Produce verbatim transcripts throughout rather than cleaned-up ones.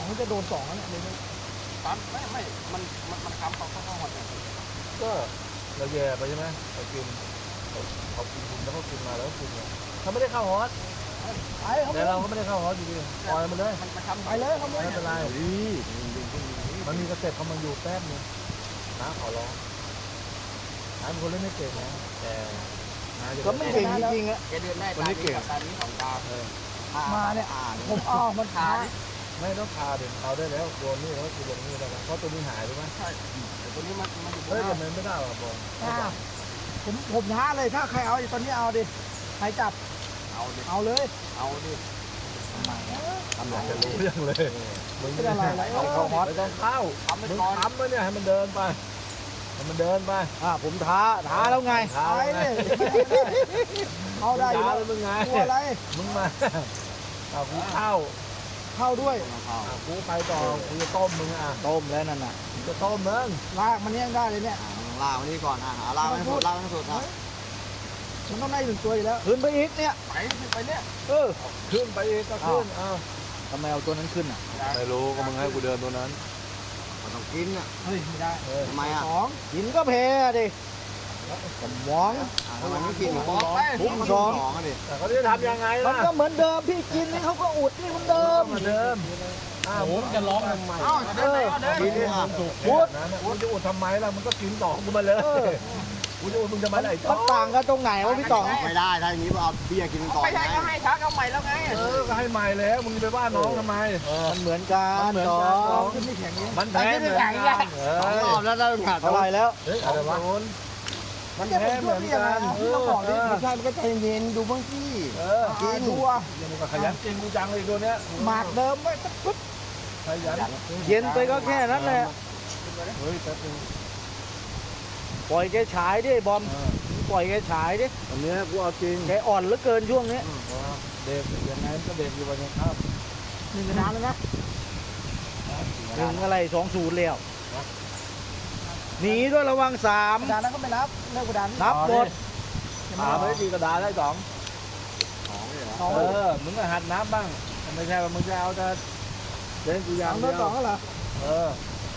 เขาจะโดนสองแล้วเนี่ยเลยตามไม่ไม่มันมันมันค้ำเขาเข้าเข้าหมดเลยก็เราแย่ไปใช่ไหมเรากินเขากินคุณแล้วก็กินมาแล้วก็กินเนี่ยเขาไม่ได้เข้าฮอตไปเขาแต่เราก็ไม่ได้เข้าฮอตอยู่ดีปล่อยมันเลยมันมันค้ำไปเลยเขาไม่ไม่เป็นไรมันมีกระเต็บเขามาอยู่แป๊บนึงนะขอร้องน้าเป็นคนเล่นไม่เก่งนะแต่น้าจะก็ไม่เก่งจริงๆอะแกเดินได้ตานี้กับตานี้สองตาเออมาเนี่ยผมอ้าวมันขาไม่ต้องพาเด็กเอาได้แล้วโดนนี่แล้วคือลงนี่แล้วเพราะตัวนี้หายรู้ไหมใช่แต่ตัวนี้มันมันอยู่บเฮ้ยนหแต่น้ามันไม่ได้หรอกบอลอ้าวผมผมท้าเลยถ้าใครเอาตอนนี้เอาดิใครจับเอาดิเอาเลยเอาดิทำอยากจะรู้เรื่องเลยมึงเป็นอะไรอะไรเอาเข้าฮอตไม่ต้องเข้าทำไปมึงก่อนทำไปเนี่ยให้มันเดินไปให้มันเดินไปอ่าผมท้าท้าแล้วไงท้าไปแล้วไงเลยเอาได้อยู่ท้าแล้วแล้วมึงไงกลัวอะไรมึงมาเอากูเข้าเข้าด้วยอ่ะกูไปต่อกูจะต้มมึงอ่ะต้มแล้วนั่นน่ะกูจะต้มมึงลากมันยังได้เลยเนี่ยลากมานี่ก่อนอ่ะหาลากให้สุดลากให้สุดอ่ะมันต้องได้หนึ่งตัวอยู่แล้วขึ้นไปอีกเนี่ยไปไปเนี่ยเออขึ้นไปอีกก็ขึ้นอ้าวทำไมเอาตัวนั้นขึ้นอ่ะไม่รู้ก็มึงให้กูเดินตัวนั้นมันต้องกินอ่ะเฮ้ยไม่ได้เออทำไมอ่ะสองกินก็แพ้ดิสมองทำไมไม่กินบอกไปทุกสองอ่ะดิแต่เขาจะทำยังไงมัล่ะนก็เหมือนเดิมพี่กินนี่เขาก็อุดนี่เหมือนเดิมเหมือนเดิมอ้าวมึงจะร้องทำไมเอ้าเดินไหนก็เดินกินเนี่ยถูกพูดนะมึงจะอุดทำไมล่ะมึงก็กินต่อกูมาเลยกูจะอุดมึงจะมาไหนต่มัอนต่างกันตรงไหนวะพี่ต่องไม่ได้ถ้าอย่างนี้เอาเบียร์กินก่อนไม่ใช่ก็ให้ชักเอาใหม่แล้วไงเออก็ให้ใหม่แล้วมึงไปว่าน้องทำไมมันเหมือนกันมันเหมือนต่กันองขึ้นไม่แข็งนี้มันแพ้เหมือนกันเอสองอรอบแล้วได้ขาดเท่าไหร่แล้วเฮ้ยอะไรวะมันจะแพ้เป็นเหช่วมืยอนพี่ยังไงกันพี่ต้องบอกดิไม่ใช่มันก็ใจเย็นดูบ้างสิเออกินดูอ่ะยังมึงก็ขยันจริงกูจังเลยตัวเนี้ยหมากเดิมไม่ปุ๊บขยันเย็นไปก็แค่นั้นแหละเฮ้ยแต่กูปล่อยแกฉายดิบอมปล่อยแกฉายดิอันเนี้ยกูเอาจริงแกอ่อนเหลือเกินช่วงนี้เด็กยังไงก็เด็กอยู่วันนี้ครับหนึ่งกระดานแล้วนะหนึ่งอะไรสองศูนย์แล้วหนีด้วยระวังสามกระดานนั้นก็ไม่นับเลิกกระดานนับหมดถามไม่ดีกระดาษได้สองสองเออมึงก็หัดนับบ้างไม่ใช่ว่ามึงจะเอาแต่เล่นกูยางเดียวสองเหรอเออ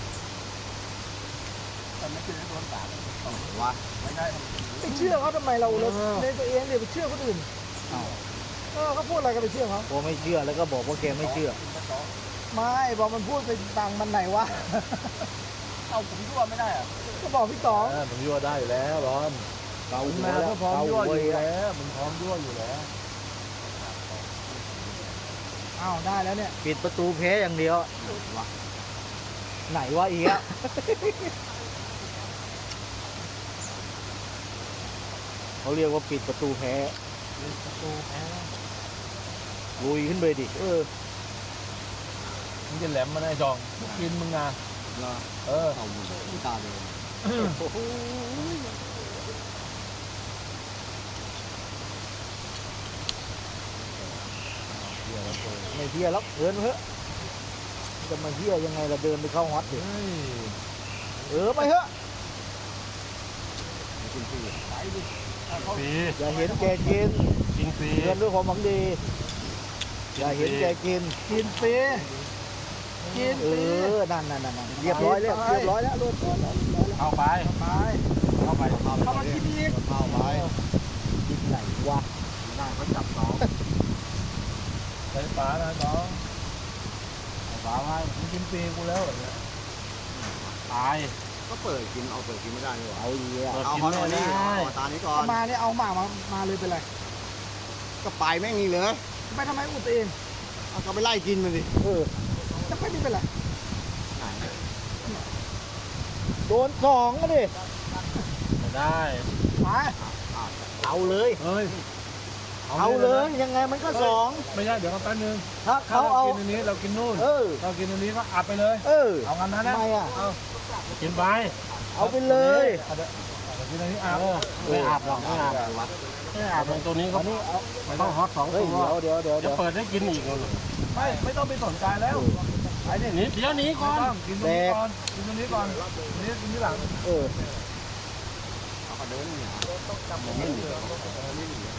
ไม่กินให้โดนสามวะไม่ใช่ไปเชื่อเขาทำไมเราเราในตัวเองเนี่ยไปเชื่อคนอื่นเออเขาพูดอะไรก็ไปเชื่อเขาผมไม่เชื่อแล้วก็บอกว่าแกไม่เชื่อไม่บอกมันพูดไปต่างมันไหนวะเอาผมยั่วไม่ได้อ่ะก็บอกพี่ต๋องเออมึงยั่วได้อยู่แล้วบอลเกามึงหัวมาแล้วก็พร้อมเกายั่วหัวอยู่แล้วแล้วมึงพร้อมยั่วอยู่แล้วอ้าวได้แล้วเนี่ยปิดประตูแพ้อย่างเดียวไหนวะอีกอะเขาเรียกว่าปิดประตูแพ้ประตูแพ้ลุยขึ้นไปดิเออมึงจะแหลมมาได้จองมึงกินมึงนะเหรอเออเอาหมดตาเลยไม่เที่ยแล้วเดินเถอะจะมาเที่ยยังไงเราเดินไปเข้าฮอตดิเฮ้ยเออไปเถอะกินฟรีฟรีอย่าเห็นแกกินกินฟรีเตือนด้วยความหวังดีอย่าเห็นแกกินกินฟรีกินเออนั่นนั่นนั่นเรียบร้อยแล้วเรียบร้อยแล้วรถเข้าไปไปเข้าไปเข้ามากินอีกเข้าไปกินไหนวะหน้าเขาจับสองใส่ฝานะน้องฝาไว้มึงกินฟรีกูแล้วเนี่ยตายก็เปิดกินเอาเปิดกินไม่ได้นี่หว่าเอาอีกอ่ะเอาเขาหน่อยนี่เอาตานี้ก่อนมาเนี่ยเอาหมามามาเลยเป็นไรก็ไปแม่งนี่เลยไปทำไมอุดตัวเองเอาก็ไปไล่กินมันดิเออจะไปนี่เป็นไรไหนโดนสองก็ดิไม่ได้มาเอาเลยเฮ้ยเอาเลยยังไงมันก็สองไม่ใช่เดี๋ยวแป๊บนึงถ้าถ้าเขาเราเอากินอันนี้เรากินนู่นเออเรากินอันนี้ก็อัดไปเลยเออเอางั้นนะนะทำไมอ่ะเอากินไปเอาไปเลยเอาเดี๋ยวเอากินอันนี้อาบไม่อาบหรอกไม่อาบไม่อาบตรงตัวนี้เขาอันนี้เอาไม่ต้องฮอตสองเฮ้ยตัวเดี๋ยวเดี๋ยวเดี๋ยวจะเดี๋ยวเปิดให้กินอีกเลยไม่ไม่ต้องไปสนใจแล้วไอ้นี่หนีเดี๋ยวหนีก่อนกินตรงนี้ก่อนกินตรงนี้ก่อนนี่กินที่หลังเออเอาก็เดินเนี่ยมันไม่หนีเ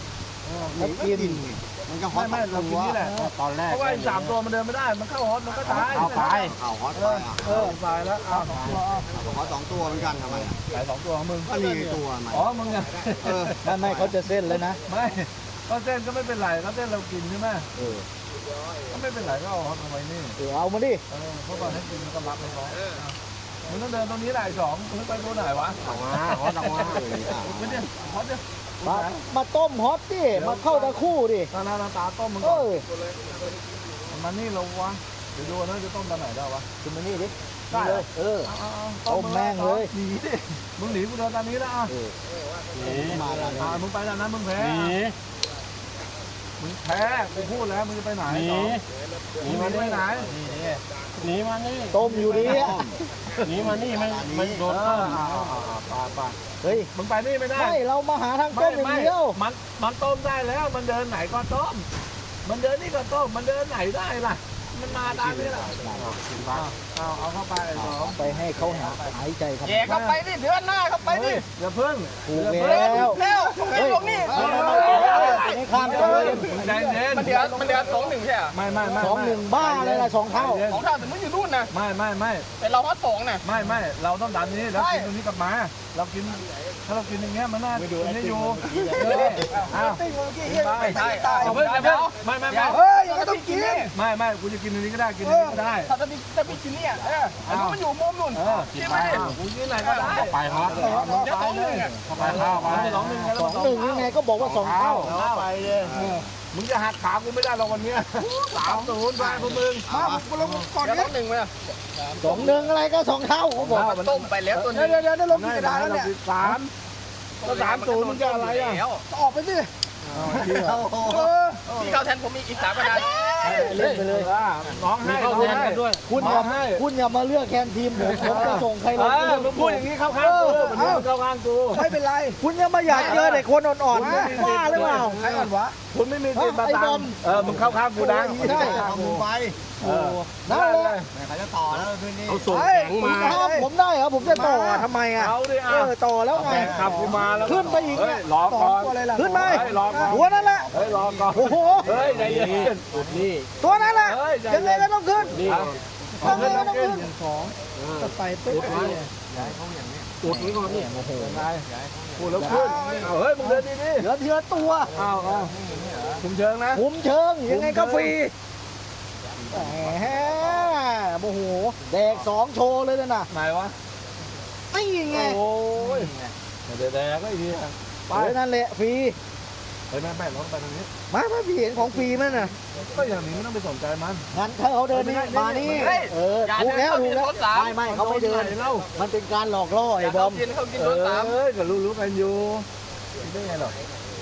แล้วกินมันก็ฮอตไม่เรากินนี่แหละตอนแรกเพราะว่าสามตัวมันเดินไม่ได้มันเข้าฮอตมันก็ตายเข้าไปเข้าฮอตไปอ่ะเออตายแล้วเอาฮอตสองตัวเหมือนกันทำไมอ่ะตายสองตัวของมึงก็มีตัวอ๋อมึงไงเออไม่ไม่เขาจะเส้นเลยนะไม่ก็เส้นก็ไม่เป็นไรก็เส้นเรากินใช่ไหมเออก็ไม่เป็นไรก็เอาฮอตเอาไว้นี่เออเอามาดิเออเพราะตอนให้กินมันก็รับมันร้อนมึงต้องเดินตรงนี้แหละสองมึงไปตัวไหนวะสองมาฮอตสองมาไม่เนี่ยฮอตเนี่ยมามาต้มฮอตดิมาเข้าตะคู่ดิตาหน้าตาต้มมึงเออมันนี่เราวะเดี๋ยวดูนะจะต้มตอนไหนได้วะกินมานี่ดิได้เลยเออต้มแม่งเลยหนีดิมึงหนีกูเดินตอนนี้แล้วอ่ะหนีมาแล้วอ่ามึงไปแล้วนะมึงแพ้หนีมึงแพ้กูพูดแล้วมึงจะไปไหนหนีหนีมาไปไหนหนีมานี่ต้มอยู่ดีหนีมานี่มันมันโดนต้มปาปาเฮ้ยมึงไปนี่ไม่ได้ไม่เรามาหาทางต้มอย่างเดียวมันมันต้มได้แล้วมันเดินไหนก็ต้มมันเดินนี่ก็ต้มมันเดินไหนได้ล่ะมันมาตามนี่แหละเอาเอาเข้าไปไปให้เขาหาหายใจครับแย่เข้าไปดิเดือนหน้าเข้าไปดิอย่าเพิ่งถูกแล้วแล้วเฮ้ยตรงนี้ไม่ข้ามเลยใจเย็นมันเดือนมันเดือนสองหนึ่งใช่ไหมไม่ไม่ไม่สองหนึ่งบ้าเลยล่ะสองเท่าสองเท่าแต่มันอยู่นู่นนะไม่ไม่ไม่แต่เราว่าสองนะไม่ไม่เราต้องดันนี้แล้วกินตรงนี้กลับมาเรากินถ้าเรากินอย่างเงี้ยมันน่ากินให้อยู่อ้าวไม่ใช่เพิ่งเดี๋ยวไม่ไม่ไม่เฮ้ยยังต้องกินไม่ไม่กูจะกินตรงนี้ก็ได้กินตรงนี้ก็ได้ถ้าจะมีจะมีกินเนี่ยเอออันนี้มันอยู่มุมนู่นกินไปกูกินไหนก็ได้ไปฮะไปเลยไปเข้าไปสองหนึ่งสองหนึ่งยังไงก็บอกว่าสองเท่าไปเลยมึงจะหักขากูไม่ได้หรอกวันนี้สามศูนย์ไปพวกมึงมากูลงก่อนนี้หนึ่งไหมสองหนึ่งอะไรก็สองเท่าเขาบอกต้มไปแล้วตัวนี้เดี๋ยวเดี๋ยวเดี๋ยวลงกระดาษแล้วเนี่ยสามก็สามศูนย์มึงจะอะไรอ่ะออกไปสิพี่เข้าแทนผมมีอีกสามกระดาษเล่นไปเลยน้องให้เข้าแทนกันด้วยคุณอย่าคุณอย่ามาเลือกแคนทีมผมผมจะส่งใครลงมึงพูดอย่างนี้เข้าข้างกูเข้าข้างกูไม่เป็นไรคุณยังมาอยากเจอเด็กคนอ่อนๆว่าหรือเปล่าใครอ่อนวะคุณไม่มีจิตบาตังเออมึงเข้าข้างกูนะใช่มึงไปนั่นแหละใครจะต่อแล้วคืนนี้เอาส่งแข็งมาผมได้เหรอผมจะต่อทำไมอ่ะเอาดิอ่ะต่อแล้วไงขับกูมาแล้วขึ้นไปอีกรอก่อนขึ้นไปหัวนั่นแหละเฮ้ยรอก่อนโอ้โหเฮ้ยใจเย็นอุดนี่ตัวนั้นแหละยังไงก็ต้องขึ้นนี่ยังไงก็ต้องขึ้นสองจะไปปุ๊บย้ายเขาอย่างนี้อุดนี่ก่อนนี่โอ้โหยังไงอุดแล้วขึ้นเฮ้ยมึงเดินดีดิเหลือทีละตัวอ้าวอ้าวคุมเชิงนะคุมเชิงยังไงก็ฟรีแหมโอ้โหแดกสองโชว์เลยนะไหนวะนี่ไงโอ้ยแดกแดกก็อีกทีไปนั่นแหละฟรีไปแม่แม่รถไปตรงนี้มาถ้าพี่เห็นของฟรีมั้ยน่ะก็อย่างนี้ไม่ต้องไปสนใจมันงั้นถ้าเขาเดินนี่มานี่เออถูกแล้วถูกแล้วไม่ไม่เขาไม่เดินมันเป็นการหลอกล่อไอ้บอมเออก็รู้รู้กันอยู่ได้ไงหรอ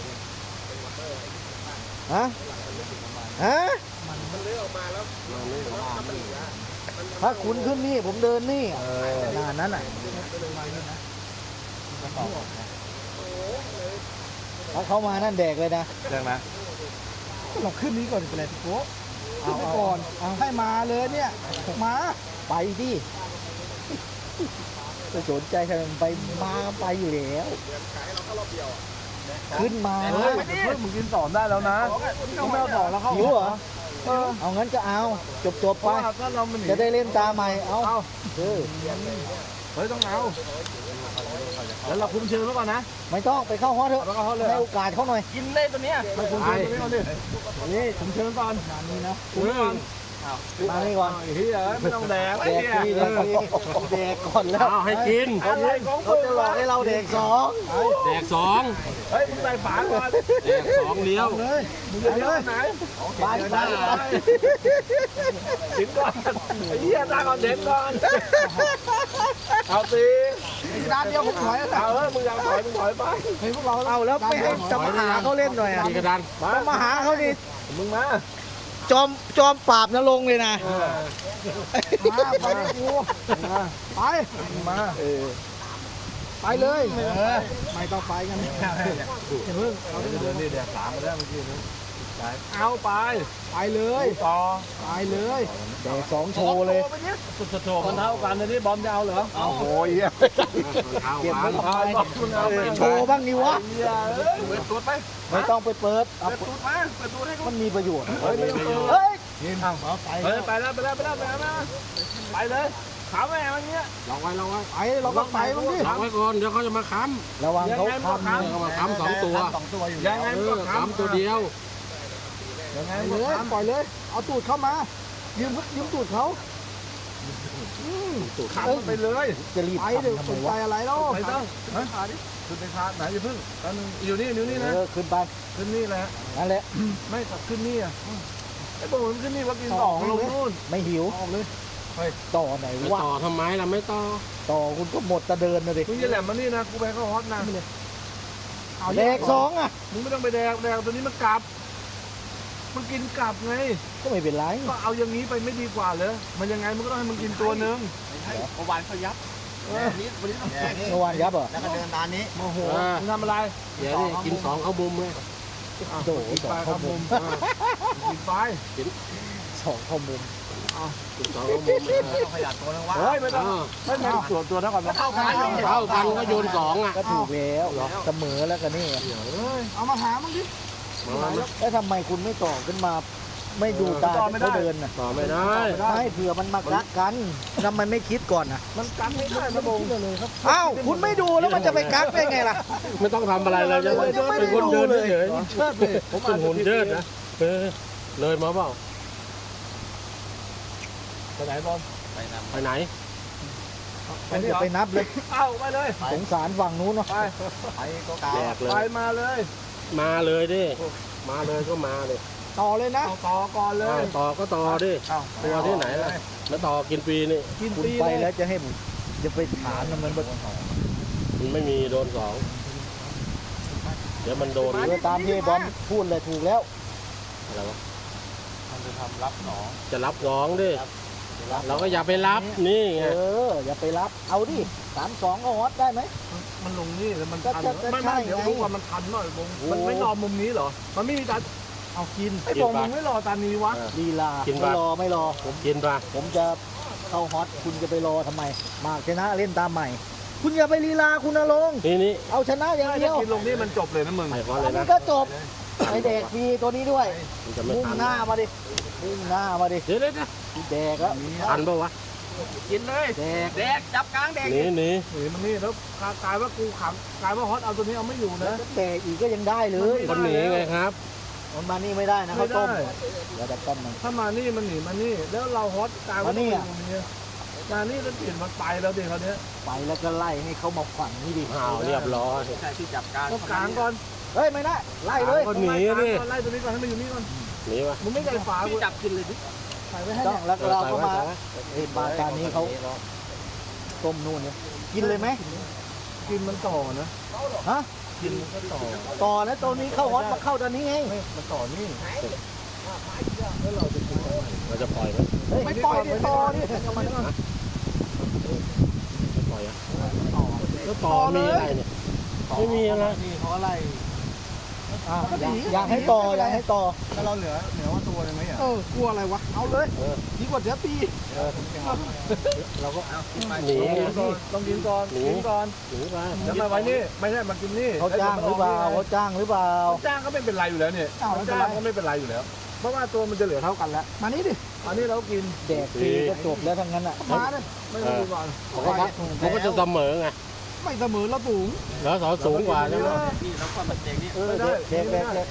ฮะฮะมันเลื้อยออกมาแล้วถ้าคุณขึ้นนี่ผมเดินนี่นานนั้นอ่ะถ้าเขามานั่นแดกเลยนะแดกนะเราขึ้นนี้ก่อนเป็นไรพี่โก้ขึ้นไปก่อนให้มาเลยเนี่ยมาไปดิจะสนใจใครไปมาไปอยู่แล้วขึ้นมาเฮ้ยเพิ่งมึงกินต่อได้แล้วนะมึงไม่เอาต่อแล้วเขาหิวเหรอเอางั้นก็เอาจบจบไปจะได้เล่นตาใหม่เอาเออเฮ้ยต้องเอาแล้วเราคุมเชิงไว้ก่อนนะไม่ต้องไปเข้าฮอตเถอะให้โอกาสเขาหน่อยกินได้ตัวนี้ไม่คุมเชิงตัวนี้ก่อนดินี่คุมเชิงก่อนนี่นะคุมก่อนมานี่ก่อนเฮ้ยไม่ต้องแดกแดกที่แดกก่อนแล้วให้กินเขาจะหลอกให้เราแดกสองแดกสองเฮ้ยมึงใส่ฝาก่อนแดกสองเลี้ยวเลยมึงจะเลี้ยวไหนไปไปกินก่อนไอ้เหี้ยตาก่อนเด็กก่อนเอาสิด้านเดียวผมถอยแล้วเอาเออมึงยังถอยมึงถอยไปเฮ้ยพวกเราเอาแล้วไม่ให้จะมาหาเขาเล่นหน่อยอ่ะกระดานมาหาเขาดิมึงมาจอมจอมปราบนรงเลยนะมาไปกูไปมาเออไปเลยไม่ต้องไปกันเพิ่งเราจะเดินนี่แดกสามมาแล้วเมื่อกี้นี้เอาไปไปเลยต่อไปเลยแดกสองโชว์เลยสุดโชว์มันเท่ากันนะนี่บอมจะเอาเหรอเอาโอ้ยเก็บไว้ทำไมเอาไปโชว์บ้างนี่วะเปิดตูดไปไม่ต้องไปเปิดเอาเปิดตูดมาเปิดตูดให้เขามันมีประโยชน์เฮ้ยไม่ต้องเปิดเฮ้ยเฮ้ยไปแล้วไปแล้วไปแล้วไปแล้วไปเลยขาวแม่มันเงี้ยลองไว้ลองไว้ไปเราก็ไปบ้างดิลองไว้ก่อนเดี๋ยวเขาจะมาค้ระวังเขาทำำเดี๋ยวเขามาค้ำสองตัวยังไงเอมันอก็ค้ำตัวเดียวยังไงไปมันเลยก็ปล่อยเลย เอาตูดเข้ามา ยืมยืมตูดเขาขำไปเลยจะรีบไปทำเดี๋ยวทำสไมนใจวะอะไรแล้วไปต้องขาดิขึ้นไปขาไหนอย่าพึ่งตอนนึงอยู่นี่อยู่นี่นะเออขึ้นไปขึ้นนี่แหละนั่นแหละไม่ตัดขึ้นนี่อ่ะไอ้พวกมันขึ้นนี่ว่ากินสองลงนู่นไม่หิวออกเลยต่อไหนไม่วะต่อทำไมล่ะไม่ต่อต่อคุณก็หมดตะเดินนะดิมึงจะแหลมมานี่นะกูไปเข้าฮอตนะเอาแดกสองอ่ะมึงไม่ต้องไปแดกแดกตัวนี้มันกลับมันกินกลับไงก็ไม่เป็นไรก็เอาอย่างนี้ไปไม่ดีกว่าเลยมันยังไงมันก็ต้องให้มึงกินตัวนึงเมื่อวานเขายับวันนี้วันนี้ต้องเมื่อวานยับเหรอแล้วก็เดินตามนี้โมโหมึงทำอะไรเดี๋ยวนี่กินสองเข้ามุมเลยโดดกินสอไปงเข้าเข้ามุมุมมกินไปสองเข้ามุมกินสองเข้ามุมขยันตัวนึงวะเฮ้ยไม่ต้องไม่ไม่ส่วนตัวเท่ากันเท่ากันเท่ากันก็โยนสองอ่ะก็ถูกแล้วเสมอแล้วกันนี่เอามาหามึงดิแล้วทำไมคุณไม่ต่อขึ้นมา ไม่ดูตาเขาเดินน่ะต่อไม่ได้ไม่เผื่อมันมากักกันทำไมไม่คิดก่อนน่ะมันกันไม่ได้นะบงเลยครับอ้าวคุณไม่ดูแล้วมันจะไปกักได้ไงล่ะไม่ต้องทำอะไรเลยจะเป็นคนเดินเฉยเชิดเลยผมเป็นหุ่นเชิดนะเออเลยมาเปล่าไปไหนบอลไปไหนผมจะไปนับเลยเอาไปเลยสงสารฝั่งนู้นเนาะไปแดกเลยไปมาเลยมาเลยดิมาเลยก็มาเลยต่อเลยนะเอาต่อก่อนเลยต่อก็ต่อดิตัวที่ไหนล่ะแล้วต่อกินฟรีนี่กินคุณปีไปเลแล้ยวจะให้ผมจะไปถามนะมันแบบมันไม่มีโดนสองเดี๋ยวมันโดนเออตามที่บอมพูดเลยถูกแล้วอะไรวะมันจะทำรับหนองจะรับน้องดิเราก็อย่าไปรับนี่ไงเอออย่าไปรับเอาดิสามสองก็ฮอตได้ไหมมันลงนี่แล้วมันก็ทันจะจะไม่ใช่ไม่เดี๋ยวไงรู้ว่ามันทันหน่อยบงโอ้มันไม่รอมุมนี้เหรอมันไม่มีตาเอากินไอ้บงมึงไม่รอตานี้วะลีลาไม่รอไม่รอผมกินปะผมจะเข้าฮอตคุณจะไปรอทำไม มากชนะเล่นตามใหม่ คุณอย่าไปลีลาคุณนรงค์นี่นี่เอาชนะอย่างถ้าเดียวกินลงนี่มันจบเลยนะมึงไปพอเลยมันะนก็จบไอเด็กฟรีตัวนี้ด้วยมันจะไม่มุ่งทันหน้ามาดิมุ่งหน้ามาดิเดี๋ยวเดี๋ยวเดี๋ยวแดกแล้วทันปะวะกินเลยแดกแดกจับกลางแดกหนีหนีหนีมันนี่แล้วกลายว่ากูขังกลายว่าฮอตเอาตัวนี้เอาไม่อยู่นะแดกอีกก็ยังได้เลยคนหนีไงครับมันมานี่ไม่ได้นะไม่เขาวต้มได้เดี๋ยวจะต้มมันถ้ามานี่มันหนีมานี่ แล้วเราฮอตกลายว่ามานี่ต้องอะอยู่ตรงนี้มานี่แล้วเปลี่ยนมันไปแล้วเด็กเขาเนี้ยไปแล้วก็ไล่ให้เขามาฝังนี่ดิอ้าวเรียบร้อยต้องกลางก่อนเฮ้ยไม่ได้ไล่เลยก็หนีต้องนี่ไล่ตัวนี้ก่อนให้มันอยู่นี่ก่อนหนีปะมึงไม่ใส่ฝากูจับกินเลยดิใส่ไว้ให้ต้องแล้วเราก็มาเอ้ยมาการนี้เขาต้มนู่นเนี่ยกินเลยไหมกินมันต่อนะฮะกินมันก็ต่อต่อแล้วตัวนี้เข้าฮอตมาเข้าตัวนี้ไงไม่มันต่อนี่แล้วเราจะกินทำไมเราจะปล่อยไหมเฮ้ยไม่ปล่อยดิต่อดิทำไมก่อนไม่ปล่อยอ่ะแล้วต่อมีอะไรเนี่ยไม่มีอะไรนี่เขาอะไรอ่ะอยากอยากให้ต่ออยากให้ต่อแล้วเราเหลือเหลือว่าตัวเลยไหมอ่ะเออกลัวอะไรวะเอาเลยดีกว่าเสียปีเราก็หนีไงต้องกินก่อนหนีกินก่อนหนีไปแล้วมาไว้นี่ไม่ใช่มากินนี่เขาจ้างหรือเปล่าเขาจ้างหรือเปล่าจ้างก็ไม่เป็นไรอยู่แล้วเนี่ยจ้างก็ไม่เป็นไรอยู่แล้ว เพราะว่าตัวมันจะเหลือเท่ากันแล้วมานี่ดิอันนี้เรากินแดกฟรีก็จบแล้วทั้งนั้นอ่ะมาเลยไม่ต้องดูก่อนเขาก็เขาก็จะเสมอไงไม่เสมอแล้วปุ๋งแล้วเขาสูงกว่าใช่ไหมเออแดกแดกแดก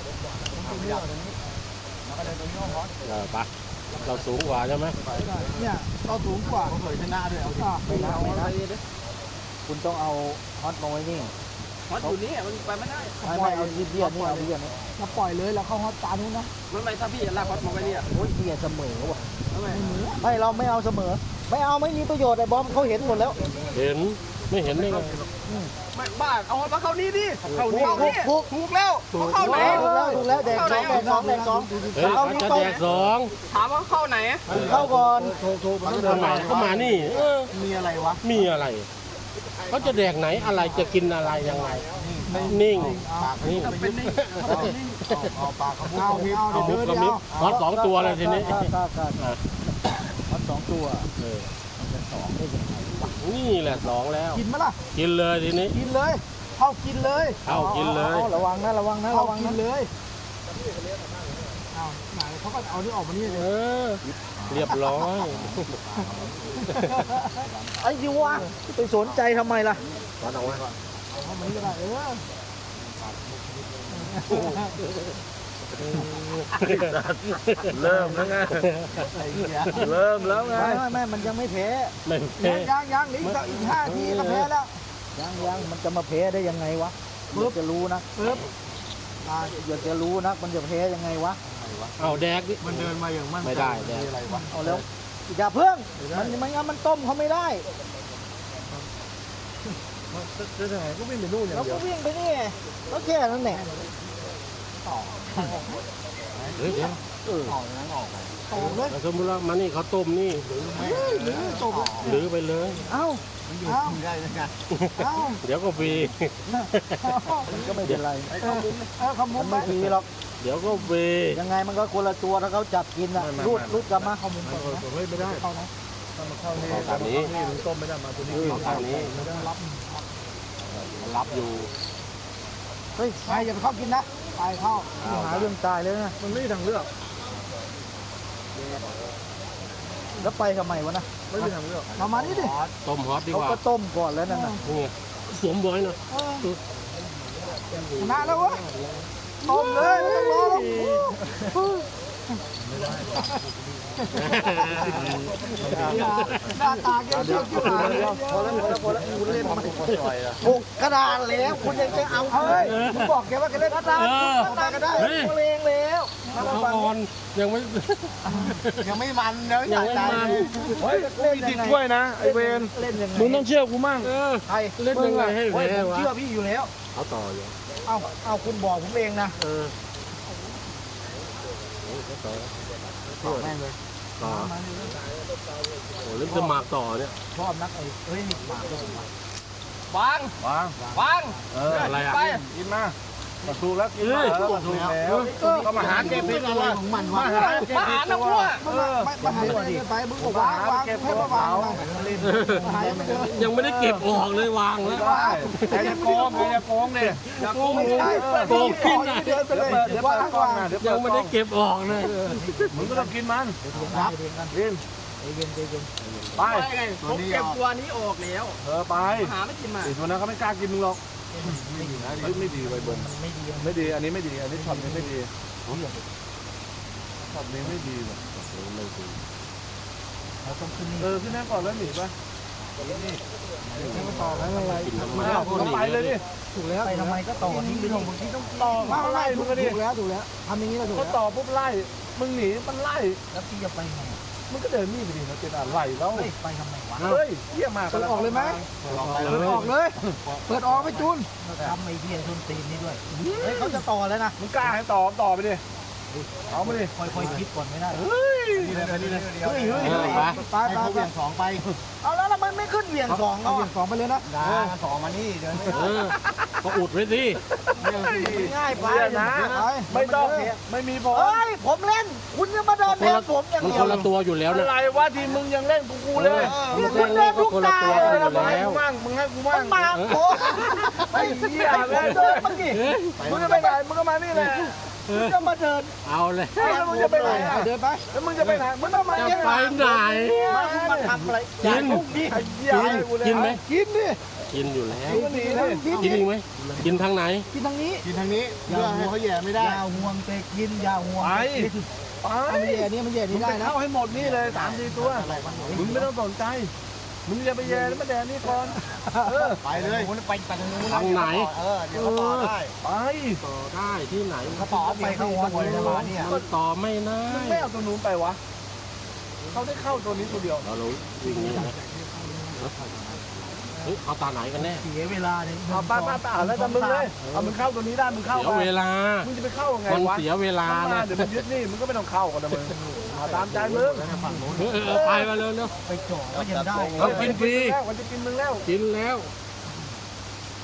เออไปเราสูงกว่าใช่ไหมเนี่ยเราสูงกว่าเคยชนะด้วยเอาอ่ะไม่นะไม่นะคุณต้องเอาฮอตมาไว้นี่ฮอตอยู่นี่มันไปไม่ได้ไม่ไม่เอาเบี้ยนี่เอาเบี้ยนี่เราปล่อยเลยเราเข้าฮอตตานู้นนะมันไม่ถ้าพี่ลากฮอตมาไว้เนี่ยโอ้ยเบี้ยเสมอว่ะทำไมไม่เราไม่เอาเสมอ ไม่เอาไม่มีประโยชน์ไอ้บอมเขาเห็นหมดแล้วเห็นไม่เห็นได้ไงไม่บ้าเอาฮอตมาเข้านี่ดิเข้าถูนี่กถูกถูกถูกแล้วเข้าไหนถูกแล้วถูกแล้วแดกสองแดกสองแดกสองเฮ้ยเขาจะแดกสองถามว่าเข้าไหนเข้าก่อนทำไมเขามานี่เออมีอะไรวะมีอะไรเขาจะแดกไหนอะไรจะกินอะไรยังไงมนิ่งปากนิ่งเป็นนี่เอาปากเขาเอาเอาเอาเอาเดี๋ยวมุเดิกนกระเดีมิยบวฮอตสองตัวเลยทีนี้ครับครับครับฮอตสองตัวเออนี่แหละสองแล้วกินไหมล่ะกินเลยทีนี้กินเลยเข้ากินเลยเข้ากินเลยอาระวังนะระวังนะระวังนะเลยเอาไหนเขาก็เอานี่ออกมานี่เลเอย อ เรียบร้อยไอ้ยิวะไปสนใจทำไมล่ะวัดเอาไว้ก่อนเอามานี่ก็ได้เออเริ่มแล้วไงไอ้เหี้ยเริ่มแล้วไงไม่ไม่ไม่มันยังไม่แพ้ไม่ยัเพ่งยังยังนี่ก็อีกห้าทีก็แพ้แล้วยังยังมันจะมาแพ้ได้ยังไงวะอยากจะรู้นะปึ๊บอ่าอยากจะรู้นะมันจะแพ้ยังไงวะเอาแดกดิมันเดินมาอย่างมั่นไม่ได้แดกอะไรวะเอาแล้วอย่าเพิ่งมันมันงั้นมันต้มเขาไม่ได้จะไหนก็วิ่งไปนู่นอย่างเราเดียก็ววิ่งไปนี่ก็แค่นั้นแหละเฮ้ยเดี๋ยวเออออกนั้นออกไปตอกเลยสมมติว่ามานี่เขาต้มนี่หรือตกหรือไปเลยเอ้ามันอยู่ที่ได้เลยไงเอ้าเดี๋ยวก็ฟรีมันก็ไม่เป็นไรเออเออขมุมันนไม่ไปทีหรอกเดี๋ยวก็ฟรียังไงมันก็คนละตัวถ้าเขาจับกินอ่ะรูดรูดกลับมาขมุนก่อนนะเฮ้ยไม่ได้เข้านะเข้านี่ทางนี้มันต้มไม่ได้มาตัวนี้เอาทางนี้รับมันรับอยู่เฮ้ยไปอย่าไปเข้ากินนะไปเข้าหาเรื่องตายเลยนะมันไม่มีทางเลือกแล้วไปทำไมวะนะไม่มีทางเลือกมามานี่ดิต้มฮอตดีเขากว่าก็ต้มก่อนแล้วนั่นน่ะนี่ไงสวมบอยหน่อยชนะแล้วเวะต้มเลยไม่ต้องรอหรอกหน้าตาแกเชี่ยวเชี่ยวหายพอแล้วพอแล้วพอแล้วคุณเล่นมันปล่อยอ่ะถูกกระดานแล้วคุณยังจะเอาเฮ้ยคุณบอกแกว่าแกเล่นกระดานกระดานก็ได้โมเลงแล้วเขาอ่อนยังไม่ยังไม่มันเลยยังไม่มันเฮ้ยกูมีติดถ้วยนะไอเวนเล่นยังไงมึงต้องเชื่อกูมั่งเออใครเล่นยังไงให้แพ้วะเชื่อพี่อยู่แล้วเอาต่ออยู่เอาเอาคุณบอกผมเองนะเออโอ้ยเขาต่อต่อแม่งเลยต่อโอ้เล่นจะหมากต่อเนี่ยชอบนักไอ้เฮ้ยนี่หมาด้วยวะวางวางวางเอออะไรอ่ะไปกินมาถูกแล้วกินมาแล้วถูกแล้วก็มาหาเก็บผิดตัวมาหาเก็บมาผิหาดตัน้ำวรั่วมึงไม่ไม่หายไปไปมึงบอกวางวางให้มาวางหายไปเจอยังไม่ได้เก็บออกเลยวางแล้วได้ใครจะโกงใครจะโกงเนี่ยอย่าโกงไม่มึงใช่โกงขึ้นนะเดินไปเลยเดี๋ยวว่าเปิดงกล้องวางนะเดี๋ยวยังไม่ได้เก็บออกเลยมึงก็ต้องกินมันรับกินใจเย็นใจเย็นไปไปไงผมเก็บตัวนี้ออกแล้วเออไปหาไม่กินมาไอ้ตัวนั้นเขาไม่กล้ากินมึงหรอกเฮ้ยไม่ดีไปเบิ้ลไม่ดีไม่ดีอันนี้ไม่ดีอันนี้ช็อตนี้ไม่ดีช็อตนี้ไม่ดีว่ะเราต้องขึ้นนี่เออขึ้นนั่งก่อนแล้วหนีไปไม่ต่อไม่เป็นไรกินทำไมไม่เอาคุณไปเลยดิถูกแล้วไปทำไมก็ต่อนี่ไม่ต้องบางทีต้องต่อมาไล่มึงก็ดิถูกแล้วถูกแล้วทำอย่างนี้เราถูกก็แล้วต่อปุ๊บไล่มึงหนีมันไล่แล้วพี่จะไปไงมึงก็เดินนี่ไปดิเราจะอะไรแล้วเฮ้ยไปทำไมวะเฮ้ยเยี่ยมมากเปิดออกเลยไหม เปิดออกเลย เปิดออกไปจุนทำไอ้เบี้ยทุนตีนนี่ด้วย เฮ้ยเขาจะต่อแล้วนะมึงกล้าให้ต่อต่อไปดิเอามาดิค่อยๆคิดก่อนไม่ได้เฮ้ยเฮ้ยเฮ้ยเฮ้ยไปไปไปสองไป เอาแล้วแล้วมันไม่ขึ้นเหวี่ยงสองเอาเหวี่ยงสองไปเลยนะดาสองมานี่เดินเออก็อุดไว้สิง่ายไปนะไปไม่ต้องไม่มีผลเฮ้ยผมเล่น คุณจะมาเดินคแทนนละผมอย่างมันเดียคว นละตัวอยู่แล้วอะนะไรวะทีมึงยังเล่นกูกูเลยมึงเล่นเล่นก็คนละตัวกันอยู่มึงให้แล้วกูมั่งมึงให้กูมัมั่นงมาโอ้ไอ้เหี้ยเดินมาดิเฮ้ยมึงจะไปไหนมึงก็มานี่แหละมึงจะมาเดินเอาเลยแล้วมึงจะไปไหนเดินไปแล้วมึงจะไปไหนมึงต้องมาจะไปไหนมาทำอะไรกินไอ้เหี้ยกินกินไหมกินดิกินอยู่แล้วมึงก็หนีเลยกินอีกไหมกินทางไหนกินทางนี้กินทางนี้เพื่อให้เขาแย่ไม่ได้อย่าห่วงแต่กินอย่าห่วงไป ไปมันแย่นี่มันแย่มึนี่งได้ไปนะเข้าให้หมดนี่เลยสามสี่ตัว มึงไม่ต้องสนใจ มึงอย่าไปแย่แล้วมาแดนนี่ก่อน เออไปเลยไปไปทางนู้นทางไหนเออเดี๋ยวเขาต่อได้ไปต่อได้ที่ไหนเขาต่อไปเข้าวัดเลยมาเนี่ยมันต่อไม่ได้มึงไม่เอาตัวนู้นไปวะ เขาได้เข้าตัวนี้ตัวเดียวเราเราวิ่งนี้นะเฮ้ยเอาตาไหนกันแน่เสียเวลาเนี่ยเอาป้าป้าป้าแล้วแต่มึงเลย เอามึงเข้าตัวนี้ได้มึงเข้าเสียไปเวลามึงจะไปเข้าไงมันวะเสียเวลามันมานะเดี๋ยวมันยึดนี่ มึงก็ไม่ต้องเข้ากันนะมึงเอาตามใจมึงเออเออเออไปมาเร็วเร็วไปจ่อก็ยังได้เรากินฟรีมันจะกินมึงแล้วกินแล้ว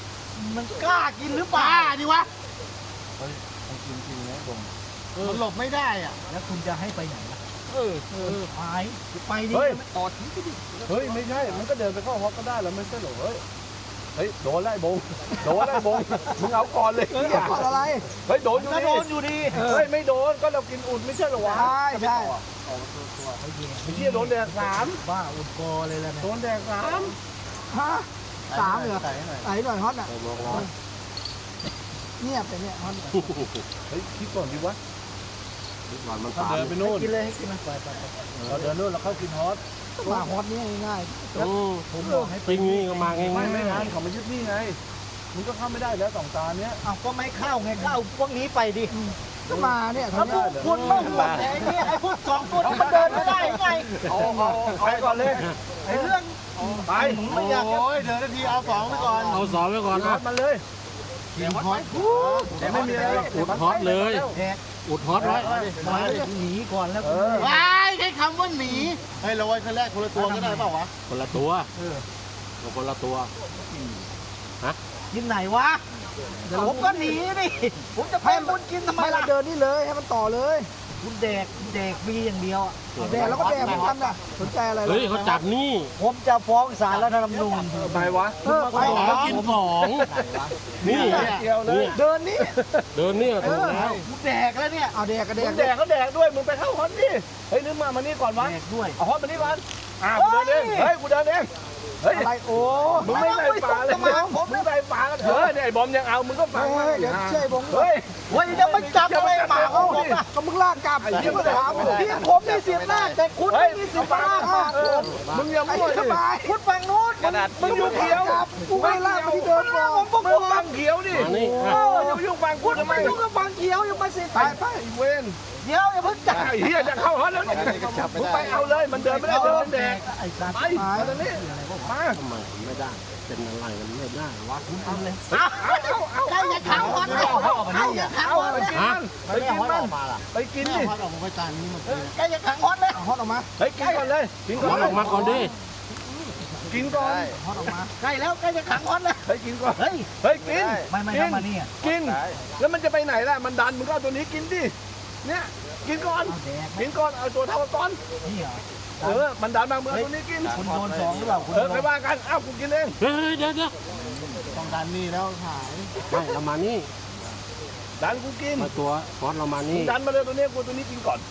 มันกล้ากินหรือเปล่าดิวะจริงๆนะผมมันหลบไม่ได้อ่ะแล้วคุณจะให้ไปไหนล่ะเออเออไปไปนี่ต่อทิ้งไปดิเฮ้ยไม่ใช่มันก็เดินไปเข้าฮอกก็ได้แล้วไม่ใช่เหรอเฮ้ยเฮ้ยโดนไล่บงโดนไล่บงมึงเอาก่อนเลยเออก่อนอะไรเฮ้ยโดนอยู่ก็ดีโดนอยู่ดีเฮ้ยไม่โดนก็เรากินอุ่นไม่ใช่เหรอวะใช่ใช่ไอ้เหี้ยโดนแดกสามบ้าอุดกอเลยแล้วโดเนี่ยนแดกสามฮะสามเหรอใส่หน่อยไหนหน่อยฮอตอ่ะใส่บอกร้อนเงียบไปเนี่ยฮอตเฮ้ยคิดก่อนดีวะก่อนมันถ้าสามเดินไปนู่นกินเลยให้กินมันไปไปไปเราเดินนู่นเราเข้ากินฮอตมาฮอตนี่ง่ายอืมๆผมบอกให้ปิ้งนี่ก็มาง่ายไม่ไม่ๆงานเขามายึดนี่ไงมึงก็เข้าไม่ได้แล้วสองตาเนี้ยอ้าวก็ไม่เข้าไงก็เอาพวกนี้ไปดิก็มาเนี่ยทำได้เหรอคุณไม่ห่วงไอ้เนี่ยไอ้พวกสองตัวนี้มันเดินไม่ได้ไงเอาเอาเอาไปก่อนเลยไอ้เรื่องไปไม่อยากจะโอ้ยเดินนาทีเอาสองไปก่อนเอาสอนไว้ก่อนฮอนะตมาเลยกินฮอตแต่ไม่มีอะไรหรอกอุดฮอตเลยแดกอุดฮอตไว้มาหนีก่อนแล้วเออว้ายใช้คำว่าหนีให้เราไว้คนแรกคนละตัวก็ได้เปล่าวะคนละตัวเอาคนละตัวกินไหนวะผมก็หนีดิผมจะไปคุณกินทำไมล่ะเดินนี่เลยให้มันต่อเลยคุณแดกแดกมีอย่างเดียวอ่ะแดกแล้วก็แดกเหมือนกันน่ะสนใจอะไรเฮ้ยเขาจัดนี่ผมจะฟ้องศาลรัฐธรรมนูญไปวะเออไปบอกแล้วกินสองนี่เกี่ยวเลยเดินนี่เดินเนี่ยถูกแล้วกูแดกแล้วเนี่ยเอาแดกก็แดมึกงแดกก็แดกด้วยมึงไปเข้าฮอตดิเฮ้ยนึกมามานี่ก่อนวะแดกด้วยเอาฮอตมานี่ก่อนอ่ากูเดินเองเฮ้ยกูเดินเองเฮ้ยอะไรโอ้มึงไม่ใส่ฝาเลยทำไมผมมึงใส่ฝากันเถอะเนี่ยไอ้บอมยังเอามึงก็ฟังเฮ้ยเดี๋ยวเชื่อผมเฮ้ยเฮ้ยเดี๋ยวมันจับอะไรหมาเขาผมอ่ะก็มึงลากกลับที่มึงถามที่ผมมีสิทธิ์หน้าแต่คุณไม่มีสิทธิ์มาลากมาเออมึงอย่าไอ้มั่วสดิบายคุณฝั่งนู้นมึงอยู่เขียวกูไม่ลากไปที่เดิมก่อนผมมึงฟังเขียวดิมานี่เออ่ะออย่าไปยุ่งฟังกูคุณทำไมไม่ยุ่งกับฝั่งเขียวยังมาสิไปไปไอ้เวนเดี๋ยวอย่าเพิ่งจับไอ้เหี้ยจะเข้าฮอตแล้วเนี่ยมึงไปเอาเลยมันเดินไม่ได้เดินไม่แดกไอ้สัตว์ไปมาตรงนี้มาทำไมไม่ได้ เป็นอะไรมันไม่ได้วะเอาเลยเอาเอาเอาใครจะขังคนเลยใครจะขังเอาคนไปเลยกินมันไปกินมันไปกินดิใครจะขังคนเลยฮอตออกมาเฮ้ยกินก่อนเลยกินก่ฮออน ตออกมาก่อนดิกินก่อนฮอตออกมาใกล้แล้วใกล้จะขังคนเลยเฮ้ยกินก่อนเฮ้ยเฮ้ยกินไม่ไม่ทำมานี่อ่ะกินแล้วมันจะไปไหนล่ะมันดันมึงก็เอาตัวนี้กินดิเนี่ยกินก่อนเอาแดกกินก่อนเอาตัวเท่าก้อนนี่เหรอเออมันดันมามึงเอาตัวนี้กินคุณโดนสองหรือเปล่าคุณเออไปว่ากันอ้าวกูกินเองเฮ้ยเดี๋ยวเดี๋ยวต้องดันนี่แล้วหายไม่เรามานี่ดันกูกินมาตัวฮอตเรามานี่ดันมาเลยตัวนี้กูตัวนี้กินก่อน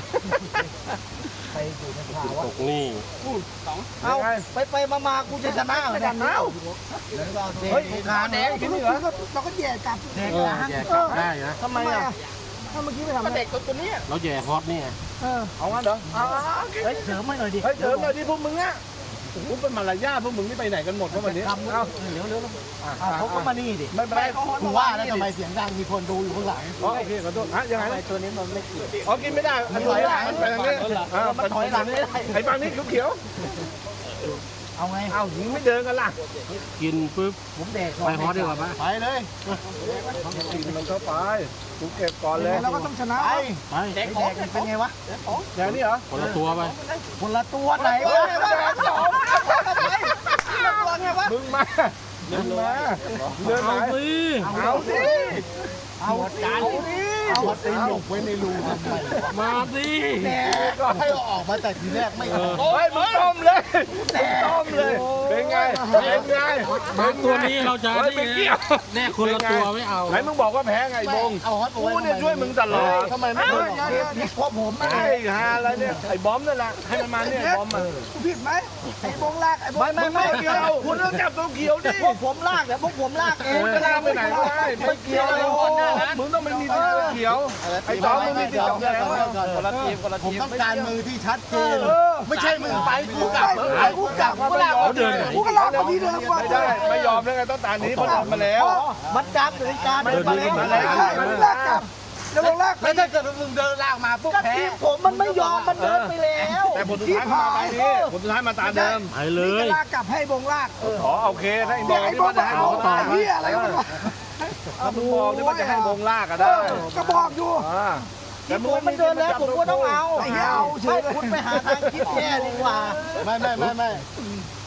ไปอยู่ในข่าวตว่ากนี่เอาไปไปมามากูจะชนะเหรอเนี่ยเอ้าเฮ้ยขาแดงกินเหรอเราก็แย่กลับแย่เออแย่กลับได้นะทำไมอ่ะถ้าเมื่อกี้ไม่ทำมันเด็กตัวตัวนี้เราแย่ฮอตนี่ไงเออเอางั้นเหรอเอาเฮ้ยเสริมให้หน่อยดิเฮ้ยเถิมหน่อยดิพวกมึงอ่ะกูเป็นมารยาทพวกมึงนี่ไปไหนกันหมดวะวันนี้ทำเอาเร็วเร็วเอาเขาก็มานี่ดิไม่เป็นไรกูว่าแล้วทำไมเสียงดังมีคนดูอยู่ข้างหลังอ๋อโอเคขอโทษฮะยังไงนะตัวนี้มันไม่เกี่ยวอ๋อกินไม่ได้มันถอยหลังมันไปทางนี้อ่ามันถอยหลังไม่ได้ไอ้ฝั่งนี้เขียวเอาไงๆเอ้ามึงไม่เดินกันล่ะกินปุ๊บผมแดกไปฮอตดีกว่าปะไปเลยกินมันเข้าไปกูเก็บก่อนเลยเราก็ต้องชนะไปแดกเป็นไงวะอย่างนี้เหรอคนละตัวไปคนละตัวไหนวะตัวไงวะมึงมามึงมาเดินไหนเอาสิเอาสิเอาการเอาตีนหลบไว้ในรูทำไมมาสิก็ให้ออกมาแต่ทีแรกไม่ออกโอ้ยมึงต้มเลยมึงต้มเลยเป็นไงเป็นไงมาตัวนี้เราจะเฮ้ยนี่ไม่เกี่ยวแน่คนละตัวไม่เอาไหนมึงบอกว่าแพ้ไงบงเอาฮอตกูเนี่ยช่วยมึงตลอดทำไมไม่ช่วยพวกผมไอ้ฮาอะไรเนี่ยไอ้บอมนั่นแหละให้มันมาเนี่ยบอมมาผิดไหมไอ้บงลากไอ้บงไม่ไม่ไม่เกี่ยวคุณต้องจับตัวเขียวดิพวกผมลากแต่พวกผมลากเองคุณจะลากไปไหนก็ได้ไม่เกี่ยวมึงต้องไม่มีสีเขียวไอ้บอมมึงมีสีแดงคนละทีมคนละทีมต้องการมือที่ชัดเจนไม่ใช่มึงไปกูกลับไอ้กูกลับกูลากเขาเดินไหนกูก็ลากไปที่เดิมกว่าไม่ได้ไม่ยอมเลยไงต้องตานี้เพราะทำมาแล้วมันจำหรือการเดินมาแล้วมันลากกลับแล้วลากแล้วถ้าเกิดมึงเดินลากมาปุ๊บแพ้ผมมันไม่ยอมมันเดินไปแล้วแต่ผลสุดท้ายมาตานี้ผลสุดท้ายมาตาเดิมไปเลยลากกลับให้บงลากขอโอเคถ้าไอ้บอลที่ว่าจะให้บงต่อเฮียอะไรกันวะถ้ามึงบอกที่ว่าจะให้บงลากก็ได้ก็บอกอยู่แต่มึงมันเดินแล้วผมก็ต้องเอาไอ้เหี้ยเอาเฉยคุณไปหาทางคิดแก้ดีกว่าไม่ไม่ไม่ไม่กู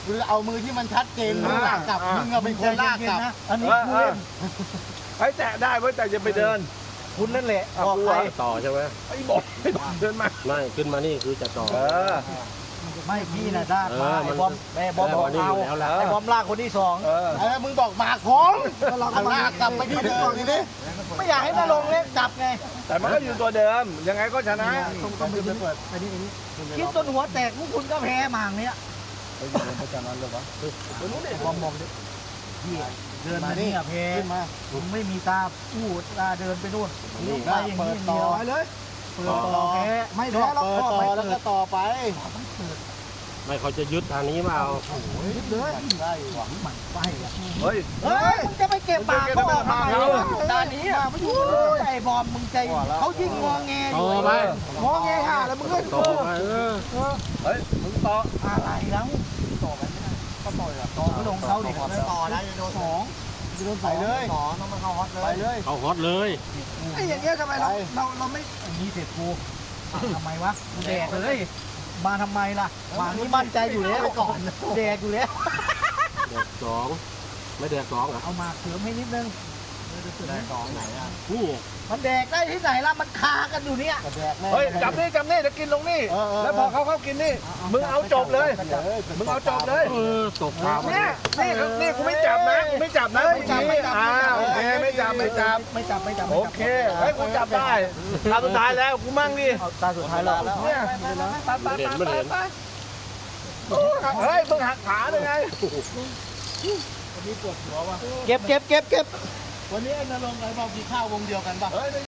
คือเอามือที่มันชัดเจนมึงลากกลับมึงอะเป็นคนลากกลับอันนี้ผู้เล่นไอ้แตะได้เว้ยแต่จะไปเดินคุณนั่นแหละบอกใครต่อใช่ไหมไอ้บอกเดินมาไม่ขึ้นมานี่คือจะต่อเออไม่พี่น่ะด้าเอมาอไอ้มันบอมไอ้บอมแล้วบอกอันนี้เอาอยู่แล้วล่ะไอ้บอมลากคนที่สองเออไอ้มึงบอกหมากผมเราก็ลากกลับไปที่เดิมทีนี้ไม่อยากให้นาลงเล่นจับไงแต่มันก็อยู่ตัวเดิมยังไงก็ชนะต้องต้องไปเปิดไปนี่นี่คิดจนหัวแตกพวกคุณก็แพ้หมางเนี้ยไปเดินไปจากนั้นเลยวะบอมบอกดิพี่เดินมานี่อะแพ้ขึ้นมาผมไม่มีตาพูดตาเดินไปนู่นผมไปอย่างเปินี้ดเดีต่อยวไปเลยเปิดต่อแพ้ไม่แพ้หรอกเปิดพ่อต่อไม่แล้วเปิก็ดต่อไปไม่เขาจะยึดทางนี้มาเอายึดเลยได้หวังหมันไส้อะเฮ้ยเฮ้ยมึงจะไปเก็บปากเขาออกทำไมเออด้านนี้อ่ะไม่อยู่ไอ้บอมมึงใจเขายิ่งงอแงอต่ยู่อไปงอแงห่าแล้วมึงเล่นต่อไปเออเฮ้ยมึงต่ออะไรแล้วต่อไปไม่ได้ก็ต่อยอ่ะต่อก็ลงเขาดิต่อนะจะโดนสองจะโดนใส่เลยต่อต้องมาเข้าฮอตเลยไปเลยเขาฮอตเลยไอ้อย่างเงี้ยทำไมเราเราเราไม่อย่างนี้เสร็จกูทำไมวะกูแดกเลยมาทำไมล่ะมานี่มั่นใจอยู่แล้วก่อนแดกอยู่แล้วแดกสองไม่แดกสองอ่ะเอามาเสริมให้นิดนึงได้สองไหนอ่ะนี่มันแดกได้ที่ไหนล่ะมันคากันอยู่เนี่ยกระแดกแน่เฮ้ยจับนี่จับนี่จะกินลงนี่แล้วพอเขาเข้ากินนี่มึงเอาจบเลยมึงเอาจบเลยเออตกปลาเนี่ยนี่นี่กูไม่จับนะกูไม่จับนะไม่จับไม่จับอ่าโอเคไม่จับไม่จับไม่จับไม่จับโอเคเฮ้ยกูจับได้ตาสุดท้ายแล้วกูมั่งดิเอาตาสุดท้ายแล้วเนี่ยไปไปไปไปไปเฮ้ยมึงหักขาเลยไงเก็บเก็บเก็บเก็บวันนี้ไอ้นรงค์ไอ้บอกกินข้าววงเดียวกันป่ะ